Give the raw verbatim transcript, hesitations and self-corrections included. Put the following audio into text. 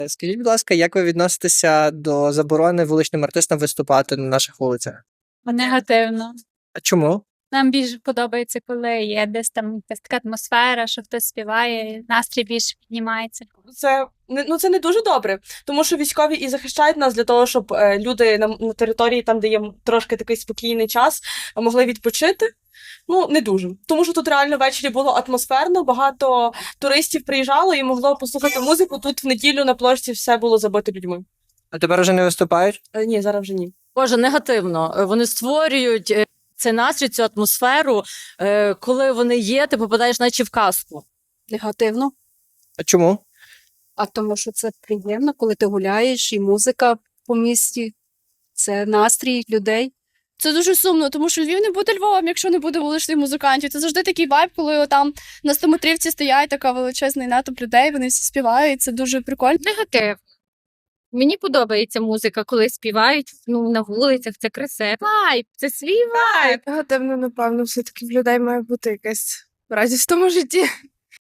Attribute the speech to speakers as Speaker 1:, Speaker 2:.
Speaker 1: Скажіть, будь ласка, як ви відноситеся до заборони вуличним артистам виступати на наших вулицях?
Speaker 2: Негативно.
Speaker 1: А чому?
Speaker 2: Нам більше подобається, коли є десь там якась така атмосфера, що хтось співає, настрій більше піднімається.
Speaker 3: Це не ну це не дуже добре, тому що військові і захищають нас для того, щоб е, люди на, на території, там де є трошки такий спокійний час, могли відпочити. Ну не дуже, тому що тут реально ввечері було атмосферно, багато туристів приїжджало і могло послухати музику. Тут в неділю на площі все було забито людьми.
Speaker 1: А тепер уже не виступають?
Speaker 3: Е, ні, зараз вже ні.
Speaker 4: Боже, негативно. Вони створюють е, цей настрій, цю атмосферу. Е, Коли вони є, ти попадаєш наче в казку.
Speaker 5: Негативно,
Speaker 1: А чому?
Speaker 5: а тому що це приємно, коли ти гуляєш, і музика по місті, це настрій людей.
Speaker 6: Це дуже сумно, тому що Львів не буде Львовом, якщо не буде вуличних музикантів. Це завжди такий вайб, коли там на стометрівці стоять така величезний натовп людей, вони всі співають, це дуже прикольно.
Speaker 2: Негатив. Мені подобається музика, коли співають ну, на вулицях, це красиво. Вайб, це свій вайб.
Speaker 7: Негативно, напевно, все-таки в людей має бути якась радість в тому житті.